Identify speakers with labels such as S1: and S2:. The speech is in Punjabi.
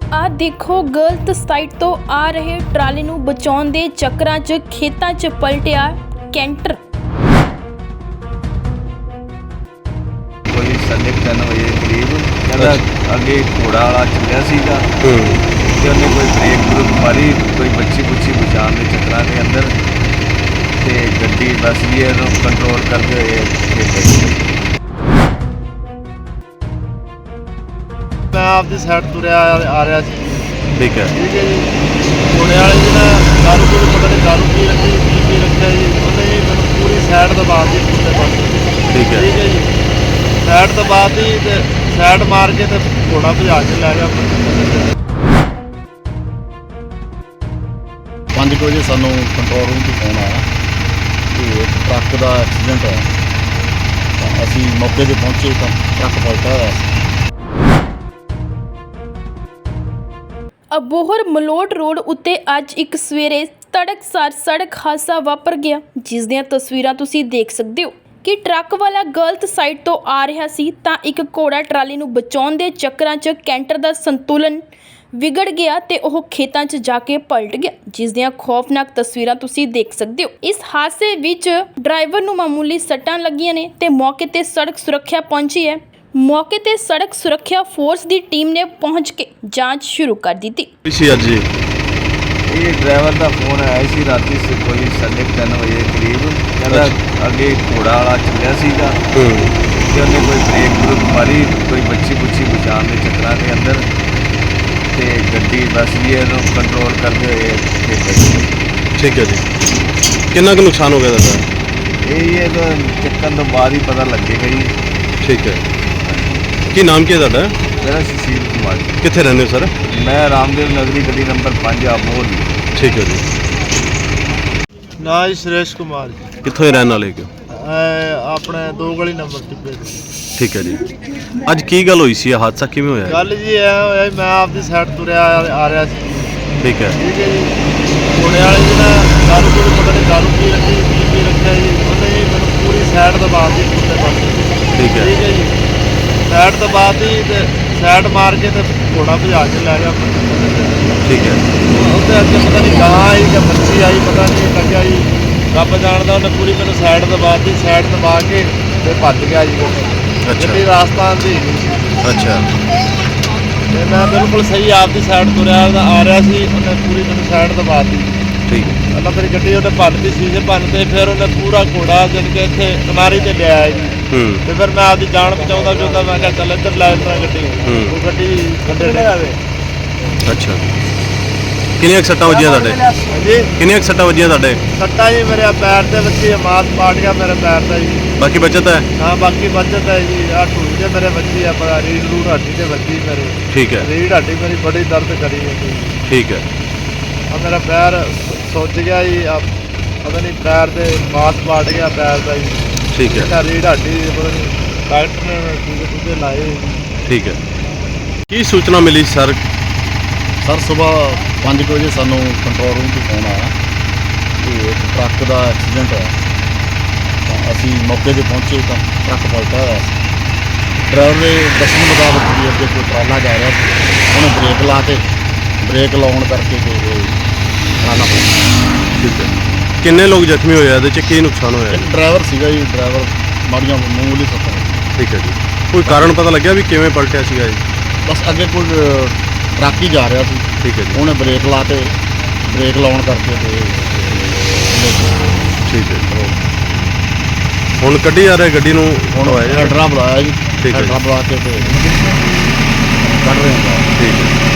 S1: ਆ ਦੇਖੋ ਗਲਤ ਸਾਈਡ ਤੋਂ ਆ ਰਹੇ ਟਰਾਲੇ ਨੂੰ ਬਚਾਉਣ ਦੇ ਚੱਕਰਾਂ 'ਚ ਖੇਤਾਂ 'ਚ ਪਲਟਿਆ ਕੈਂਟਰ।
S2: ਕੋਈ 3:30 ਵਜੇ ਕਰੀਬ ਕਹਿੰਦਾ ਅੱਗੇ ਘੋੜਾ ਵਾਲਾ ਚੱਲਿਆ ਸੀਗਾ ਤੇ ਉਹਨੇ ਕੋਈ ਬ੍ਰੇਕ ਮਾਰੀ, ਕੋਈ ਬੱਚੀ ਬਚਾਉਣ ਦੇ ਚੱਕਰਾਂ ਦੇ ਅੰਦਰ ਤੇ ਗੱਡੀ ਬਸ ਇਹਨੂੰ ਕੰਟਰੋਲ ਕਰਦੇ ਹੋਏ ਖੇਤ
S3: मैं आपकी साइड तुरया आ रहा सी।
S2: ठीक है
S3: ठीक है जी। घोड़े वाले जी ने दारू को पता नहीं दारू पी रखी पी रखा जी, उन्हें जी मैंने पूरी साइड दबा दी दूसरे पास।
S2: ठीक है
S3: जी। साइड दबा दी ते साइड मार के ते घोड़ा भजा के लै गया। 5 ਵਜੇ ਸਾਨੂੰ ਕੰਟਰੋਲ ਰੂਮ ਤੋਂ ਫੋਨ ਆਇਆ ਕਿ ਟਰੱਕ ਦਾ ਐਕਸੀਡੈਂਟ ਹੋਇਆ। ਤਾਂ ਅਸੀਂ ਮੌਕੇ 'ਤੇ ਪਹੁੰਚੇ ਤਾਂ ਟਰੱਕ ਪਲਟਿਆ ਹੋਇਆ ਸੀ।
S1: ਅਬੋਹਰ ਮਲੋਟ ਰੋਡ ਉੱਤੇ ਅੱਜ ਇੱਕ ਸਵੇਰੇ ਤੜਕਸਾਰ ਸੜਕ ਹਾਦਸਾ ਵਾਪਰ ਗਿਆ, ਜਿਸ ਦੀਆਂ ਤਸਵੀਰਾਂ ਤੁਸੀਂ ਦੇਖ ਸਕਦੇ ਹੋ ਕਿ ਟਰੱਕ ਵਾਲਾ ਗਲਤ ਸਾਈਡ ਤੋਂ ਆ ਰਿਹਾ ਸੀ ਤਾਂ ਇੱਕ ਘੋੜਾ ਟਰਾਲੀ ਨੂੰ ਬਚਾਉਣ ਦੇ ਚੱਕਰਾਂ 'ਚ ਕੈਂਟਰ ਦਾ ਸੰਤੁਲਨ ਵਿਗੜ ਗਿਆ ਤੇ ਉਹ ਖੇਤਾਂ 'ਚ ਜਾ ਕੇ ਪਲਟ ਗਿਆ, ਜਿਸ ਦੀਆਂ ਖੌਫਨਾਕ ਤਸਵੀਰਾਂ ਤੁਸੀਂ ਦੇਖ ਸਕਦੇ ਹੋ। ਇਸ ਹਾਦਸੇ ਵਿੱਚ ਡਰਾਈਵਰ ਨੂੰ ਮਾਮੂਲੀ ਸੱਟਾਂ ਲੱਗੀਆਂ ਨੇ ਤੇ ਮੌਕੇ ਤੇ ਸੜਕ ਸੁਰੱਖਿਆ ਪਹੁੰਚੀ ਹੈ। ਮੌਕੇ ਤੇ ਸੜਕ ਸੁਰੱਖਿਆ ਫੋਰਸ ਦੀ ਟੀਮ ਨੇ ਪਹੁੰਚ ਕੇ ਜਾਂਚ ਸ਼ੁਰੂ ਕਰ ਦਿੱਤੀ।
S2: ਇਹ ਡਰਾਈਵਰ ਦਾ ਫੋਨ ਆਇਆ ਸੀ ਰਾਤੀ ਕੋਈ 3:30 ਵਜੇ ਕਰੀਬ ਕਹਿੰਦਾ ਅੱਗੇ ਘੋੜਾ ਵਾਲਾ ਚੱਲਿਆ ਸੀਗਾ ਤੇ ਉਹਨੇ ਕੋਈ ਬ੍ਰੇਕ ਮਾਰੀ, ਕੋਈ ਬੱਚੀ ਬਚਾਉਣ ਦੇ ਚੱਕਰਾਂ ਦੇ ਅੰਦਰ ਤੇ ਗੱਡੀ ਬਸ ਇਹਨੂੰ ਕੰਟਰੋਲ ਕਰਦੇ ਹੋਏ ਖੇਤ।
S4: ਠੀਕ ਹੈ ਜੀ। ਕਿੰਨਾ ਕੁ ਨੁਕਸਾਨ ਹੋ ਗਿਆ ਤੁਹਾਡਾ?
S2: ਇਹ ਤਾਂ ਚੱਕਣ ਤੋਂ ਬਾਅਦ ਹੀ ਪਤਾ ਲੱਗੇਗਾ ਜੀ।
S4: ਠੀਕ ਹੈ। ਕੀ ਨਾਮ ਕੀ ਹੈ ਤੁਹਾਡਾ?
S2: ਮੇਰਾ ਸੁਸ਼ੀਲ ਕੁਮਾਰ।
S4: ਕਿੱਥੇ ਰਹਿੰਦੇ ਹੋ ਸਰ?
S2: ਮੈਂ ਰਾਮਦੇਵ ਨਗਰੀ ਗਲੀ ਨੰਬਰ 5 ਆਬੋਹਰ।
S4: ਠੀਕ ਹੈ ਜੀ।
S3: ਨਾ ਜੀ ਸੁਰੇਸ਼ ਕੁਮਾਰ ਜੀ।
S4: ਕਿੱਥੋਂ ਦੇ ਰਹਿਣ ਵਾਲੇ ਹੋ?
S3: ਆਪਣੇ 2 ਗਲੀ ਨੰਬਰ ਟਿੱਬੇ ਤੇ।
S4: ਠੀਕ ਹੈ ਜੀ। ਅੱਜ ਕੀ ਗੱਲ ਹੋਈ ਸੀ? ਇਹ ਹਾਦਸਾ ਕਿਵੇਂ ਹੋਇਆ?
S3: ਗੱਲ ਜੀ ਇਹ ਹੋਇਆ ਜੀ, ਮੈਂ ਆਪਦੀ ਸਾਈਡ ਤੁਰਿਆ ਆ ਰਿਹਾ ਸੀ।
S4: ਠੀਕ ਹੈ
S3: ਠੀਕ ਹੈ ਜੀ। ਘੋੜੇ ਵਾਲੇ ਜੀ ਨੇ दारू को पता नहीं दारू पी रखा जी, उन्हें जी मैंने पूरी साइड दबा दी दूसरे पास।
S4: ठीक है
S3: जी। साइड दबा दी ते साइड मार के ते घोड़ा भजा के लै गया।
S4: ठीक है।
S3: उसके अगे पता नहीं गां आई कि बच्ची आई, पता नहीं लग्या जी, रब जानदा। उन्हें पूरी मैंने साइड दबा दी, साइड दबा के ते भज गया जी। गड्डी राजस्थान दी।
S4: अच्छा।
S3: ਤੇ ਮੈਂ ਬਿਲਕੁਲ ਸਹੀ ਆਪਦੀ ਸਾਈਡ ਤੁਰਿਆ ਆ ਰਿਹਾ ਸੀ, ਉਹਨੇ ਪੂਰੀ ਮੈਨੂੰ ਸਾਈਡ ਦਬਾ ਦਿੱਤੀ।
S4: ਠੀਕ ਹੈ।
S3: ਪਹਿਲਾਂ ਮੇਰੀ ਗੱਡੀ ਉਹਨੇ ਭੰਨਤੀ, ਸ਼ੀਸ਼ੇ ਭੰਨਤੇ, ਫਿਰ ਉਹਨੇ ਪੂਰਾ ਘੋੜਾ ਜਿਨ ਕੇ ਇੱਥੇ ਕਿਨਾਰੇ ਤੇ ਲਿਆਇਆ ਜੀ। ਤੇ ਫਿਰ ਮੈਂ ਆਪਦੀ ਜਾਨ ਬਚਾਉਂਦਾ ਮੈਂ ਕਿਹਾ ਚੱਲ ਇੱਧਰ ਲੈ ਲੈਣਾ ਗੱਡੀ। ਉਹ ਗੱਡੀ ਖੱਡੇ ਲੈ ਆਵੇ।
S4: ਅੱਛਾ। ਕਿੰਨੀਆਂ ਸੱਟਾਂ ਵੱਜੀਆਂ ਤੁਹਾਡੇ?
S3: ਜੀ
S4: ਕਿੰਨੀਆਂ ਸੱਟਾਂ ਵੱਜੀਆਂ ਤੁਹਾਡੇ?
S3: ਸੱਟਾਂ ਜੀ ਮੇਰੇ ਪੈਰ ਤੇ ਵੱਜੀ, ਮਾਸ ਪਾਟ ਗਿਆ ਮੇਰੇ ਪੈਰ ਦਾ ਜੀ।
S4: ਬਾਕੀ ਬਚਤ ਹੈ?
S3: ਹਾਂ ਬਾਕੀ ਬਚਤ ਹੈ ਜੀ। ਆਹ ਢੂਈ ਤੇ ਮੇਰੇ ਵੱਜੀ ਆ, ਰੀੜ ਰੂੜ ਹੱਡੀ ਤੇ ਵੱਜੀ ਮੇਰੇ।
S4: ਠੀਕ ਹੈ।
S3: ਰੀੜ ਹੱਡੀ ਮੇਰੀ ਬੜੀ ਦਰਦ ਕਰੀ ਜਾਂਦੀ।
S4: ਠੀਕ ਹੈ।
S3: ਆ ਮੇਰਾ ਪੈਰ ਸੁੱਜ ਗਿਆ ਜੀ, ਪਤਾ ਨਹੀਂ ਪੈਰ ਦੇ ਮਾਸ ਪਾਟ ਗਿਆ ਪੈਰ ਦਾ ਜੀ।
S4: ਠੀਕ ਹੈ।
S3: ਰੀੜ ਹੱਡੀ ਪਤਾ ਨਹੀਂ ਡਾਕਟਰ ਨੇ ਟੀਕੇ ਲਾਏ।
S4: ਠੀਕ ਹੈ। ਕੀ ਸੂਚਨਾ ਮਿਲੀ ਸਰ?
S3: ਸਰ ਸਵੇਰ 5 ਵਜੇ ਸਾਨੂੰ ਕੰਟਰੋਲ ਰੂਮ ਤੋਂ ਫੋਨ ਆਇਆ ਕਿ ਟਰੱਕ ਦਾ ਐਕਸੀਡੈਂਟ ਹੋਇਆ। ਤਾਂ ਅਸੀਂ ਮੌਕੇ 'ਤੇ ਪਹੁੰਚੇ ਤਾਂ ਟਰੱਕ ਪਲਟਿਆ ਹੋਇਆ ਸੀ। ਡਰਾਈਵਰ ਦੇ ਦੱਸਣ ਮੁਤਾਬਕ ਵੀ ਅੱਗੇ ਕੋਈ ਟਰਾਲਾ ਜਾ ਰਿਹਾ ਸੀ, ਉਹਨੇ ਬ੍ਰੇਕ ਲਾ ਕੇ ਬ੍ਰੇਕ ਲਾਉਣ ਕਰਕੇ ਟਰਾਲਾ ਪਲਟਿਆ।
S4: ਠੀਕ ਹੈ। ਕਿੰਨੇ ਲੋਕ ਜ਼ਖਮੀ ਹੋਏ? ਇਹਦੇ 'ਚ ਕੀ ਨੁਕਸਾਨ ਹੋਇਆ?
S3: ਇੱਕ ਡਰਾਈਵਰ ਸੀਗਾ ਜੀ, ਡਰਾਈਵਰ ਮਾੜੀਆਂ ਮਾਮੂਲੀ ਸੱਟਾਂ।
S4: ਠੀਕ ਹੈ ਜੀ। ਕੋਈ ਕਾਰਨ ਪਤਾ ਲੱਗਿਆ ਵੀ ਕਿਵੇਂ ਪਲਟਿਆ ਸੀਗਾ ਜੀ?
S3: ਬਸ ਅੱਗੇ ਕੋਈ ਟਰੱਕ ਹੀ ਜਾ ਰਿਹਾ ਸੀ।
S4: ਠੀਕ ਹੈ ਜੀ।
S3: ਉਹਨੇ ਬ੍ਰੇਕ ਲਾ ਕੇ ਬ੍ਰੇਕ ਲਾਉਣ ਕਰਕੇ
S4: ਠੀਕ ਹੈ। ਹੁਣ ਕੱਢੀ ਜਾ ਰਿਹਾ ਗੱਡੀ ਨੂੰ?
S3: ਹੁਣ ਹੈਡਰਾ ਬੁਲਾਇਆ ਜੀ।
S4: ਠੀਕ ਹੈ।
S3: ਹੈਡਰਾ ਬੁਲਾ ਕੇ ਤੇ ਕੱਢ ਰਹੇ ਹਾਂ।
S4: ਠੀਕ ਹੈ।